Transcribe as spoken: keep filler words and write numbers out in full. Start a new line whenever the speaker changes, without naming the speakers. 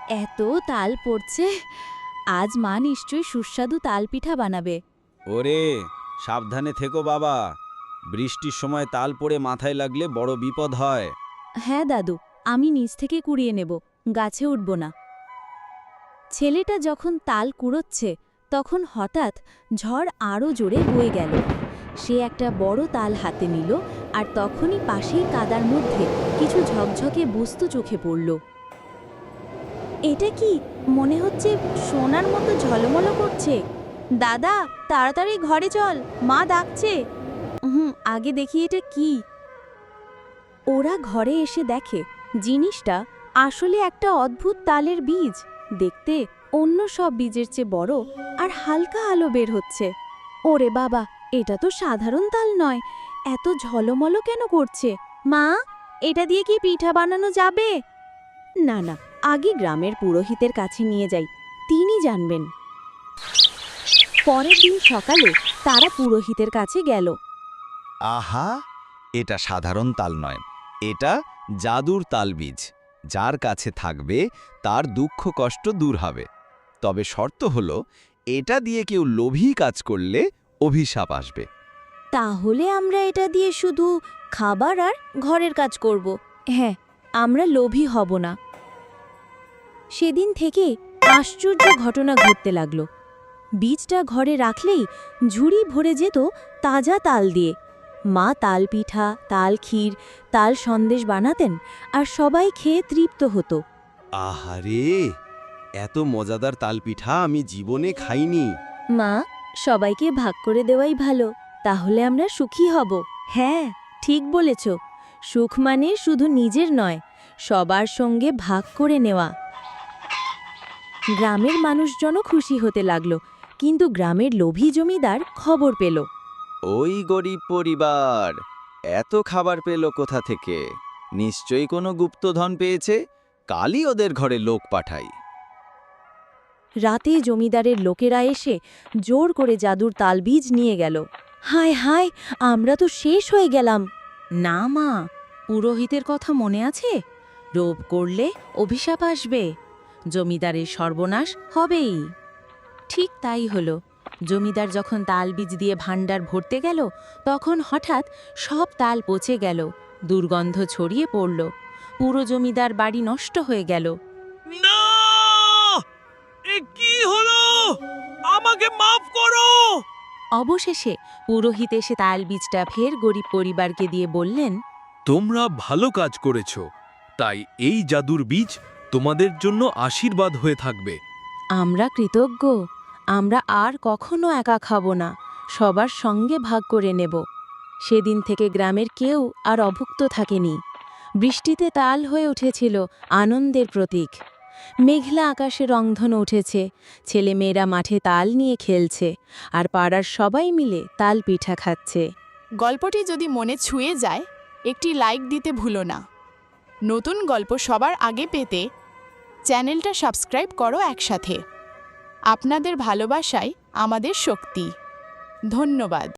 এত তাল পড়ছে, আজ মা নিশ্চয়ই সুস্বাদু তাল পিঠা বানাবে।
ওরে সাবধানে থেকো বাবা, বৃষ্টির সময় তাল পড়ে মাথায় লাগলে বড় বিপদ হয়।
হ্যাঁ দাদু, আমি নিচ থেকে কুড়িয়ে নেব, গাছে উঠব না। ছেলেটা যখন তাল কুড়োচ্ছে তখন হঠাৎ ঝড় আরও জোরে বয়ে গেল। সে একটা বড় তাল হাতে নিল, আর তখনই পাশেই কাদার মধ্যে কিছু ঝকঝকে বস্তু চোখে পড়ল। এটা কি? মনে হচ্ছে সোনার মতো ঝলমলো করছে। দাদা, তাড়াতাড়ি ঘরে চল, মা ডাকছে। হুম আগে দেখি এটা কি। ওরা ঘরে এসে দেখে জিনিসটা আসলে একটা অদ্ভুত তালের বীজ। দেখতে অন্য সব বীজের চেয়ে বড় আর হালকা আলো বের হচ্ছে। ওরে বাবা, এটা তো সাধারণ তাল নয়, এত ঝলমলো কেন করছে? মা, এটা দিয়ে কি পিঠা বানানো যাবে? না না, আগে গ্রামের পুরোহিতের কাছে নিয়ে যাই, তিনি জানবেন। পরের দিন সকালে তারা পুরোহিতের কাছে গেল।
আহা, এটা সাধারণ তাল নয়, এটা জাদুর তালবীজ। যার কাছে থাকবে তার দুঃখ কষ্ট দূর হবে। তবে শর্ত হলো, এটা দিয়ে কেউ লোভী কাজ করলে অভিশাপ আসবে।
তাহলে আমরা এটা দিয়ে শুধু খাবার আর ঘরের কাজ করব। হ্যাঁ, আমরা লোভী হব না। সেদিন থেকে আশ্চর্য ঘটনা ঘটতে লাগলো। বীজটা ঘরে রাখলেই ঝুড়ি ভরে যেত তাজা তাল দিয়ে। মা তাল পিঠা, তাল ক্ষীর, তাল সন্দেশ বানাতেন, আর সবাই খেয়ে তৃপ্ত হতো।
আহারে, এত মজাদার তাল পিঠা আমি জীবনে খাইনি।
মা, সবাইকে ভাগ করে দেওয়াই ভালো, তাহলে আমরা সুখী হব। হ্যাঁ, ঠিক বলেছ। সুখ মানে শুধু নিজের নয়, সবার সঙ্গে ভাগ করে নেওয়া। গ্রামের মানুষজনও খুশি হতে লাগলো, কিন্তু গ্রামের লোভী জমিদার খবর পেল।
ওই গরিব পরিবার এত খাবার পেল কোথা থেকে? নিশ্চয়ই কোনো গুপ্তধন পেয়েছে। কালই ওদের ঘরে লোক পাঠাই।
রাতে জমিদারের লোকেরা এসে জোর করে জাদুর তালবীজ নিয়ে গেল। হায় হায়, আমরা তো শেষ হয়ে গেলাম। না মা, পুরোহিতের কথা মনে আছে? লোভ করলে অভিশাপ আসবে, জমিদারের সর্বনাশ হবেই। ঠিক তাই হলো। জমিদার যখন তালবীজ দিয়ে ভাণ্ডার ভরতে গেল, তখন হঠাৎ সব তাল পচে গেল, দুর্গন্ধ ছড়িয়ে পড়ল। পুরো জমিদার বাড়ি নষ্ট হয়ে গেল।
না! এ কি হলো? আমাকে মাফ করো!
অবশেষে পুরোহিত এসে তালবীজটা ফের গরিব পরিবারকে দিয়ে বললেন,
তোমরা ভালো কাজ করেছ, তাই এই জাদুর বীজ তোমাদের জন্য আশীর্বাদ হয়ে থাকবে।
আমরা কৃতজ্ঞ। আমরা আর কখনো একা খাব না, সবার সঙ্গে ভাগ করে নেব। সেদিন থেকে গ্রামের কেউ আর অভুক্ত থাকেনি। বৃষ্টিতে তাল হয়ে উঠেছিল আনন্দের প্রতীক। মেঘলা আকাশে রংধনু উঠেছে, ছেলেমেয়েরা মাঠে তাল নিয়ে খেলছে, আর পাড়ার সবাই মিলে তাল পিঠা খাচ্ছে।
গল্পটি যদি মনে ছুঁয়ে যায়, একটি লাইক দিতে ভুলো না। নতুন গল্প সবার আগে পেতে চ্যানেলটা সাবস্ক্রাইব করো একসাথে। আপনাদের ভালোবাসাই আমাদের শক্তি। ধন্যবাদ।